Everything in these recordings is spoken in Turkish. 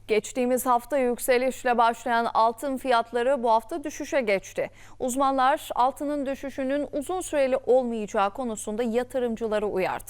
Geçtiğimiz hafta yükselişle başlayan altın fiyatları bu hafta düşüşe geçti. Uzmanlar altının düşüşünün uzun süreli olmayacağı konusunda yatırımcıları uyardı.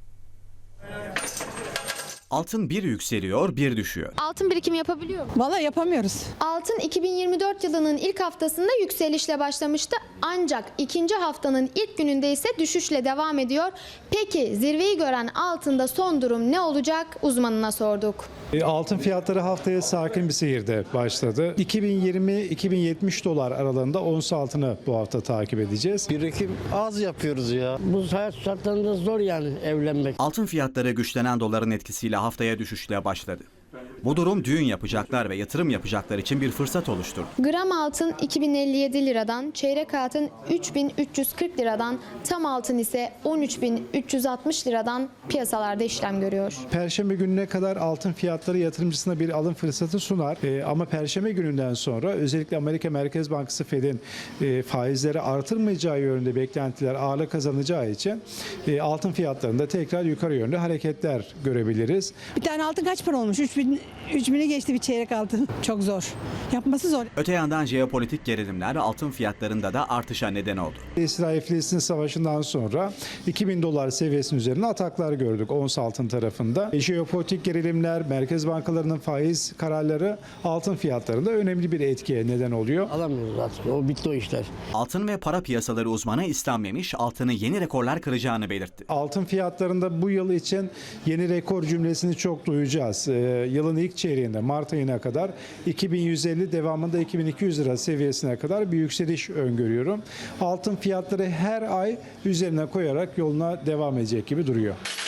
Altın bir yükseliyor, bir düşüyor. Altın birikimi yapabiliyor mu? Vallahi yapamıyoruz. Altın 2024 yılının ilk haftasında yükselişle başlamıştı. Ancak ikinci haftanın ilk gününde ise düşüşle devam ediyor. Peki zirveyi gören altında son durum ne olacak? Uzmanına sorduk. Altın fiyatları haftaya sakin bir seyirde başladı. 2020-2070 dolar aralığında ons altını bu hafta takip edeceğiz. Birikim az yapıyoruz ya. Bu hayat şartlarında zor yani evlenmek. Altın fiyatları güçlenen doların etkisiyle haftaya düşüşle başladı. Bu durum düğün yapacaklar ve yatırım yapacaklar için bir fırsat oluşturdu. Gram altın 2057 liradan, çeyrek altın 3340 liradan, tam altın ise 13360 liradan piyasalarda işlem görüyor. Perşembe gününe kadar altın fiyatları yatırımcısına bir alım fırsatı sunar. Ama Perşembe gününden sonra özellikle Amerika Merkez Bankası Fed'in faizleri artırmayacağı yönünde beklentiler ağırlık kazanacağı için altın fiyatlarında tekrar yukarı yönlü hareketler görebiliriz. Bir tane altın kaç para olmuş? 3000'i geçti bir çeyrek altın. Çok zor. Yapması zor. Öte yandan jeopolitik gerilimler altın fiyatlarında da artışa neden oldu. İsrail-Filistin savaşından sonra 2000 dolar seviyesinin üzerine ataklar gördük ons altın tarafında. Jeopolitik gerilimler, merkez bankalarının faiz kararları altın fiyatlarında önemli bir etkiye neden oluyor. Alamıyoruz artık. O bitti o işler. Altın ve para piyasaları uzmanı İslam Memiş, altını yeni rekorlar kıracağını belirtti. Altın fiyatlarında bu yıl için yeni rekor cümlesini çok duyacağız. Yılın ilk çeyreğinde Mart ayına kadar 2150 devamında 2200 lira seviyesine kadar bir yükseliş öngörüyorum. Altın fiyatları her ay üzerine koyarak yoluna devam edecek gibi duruyor.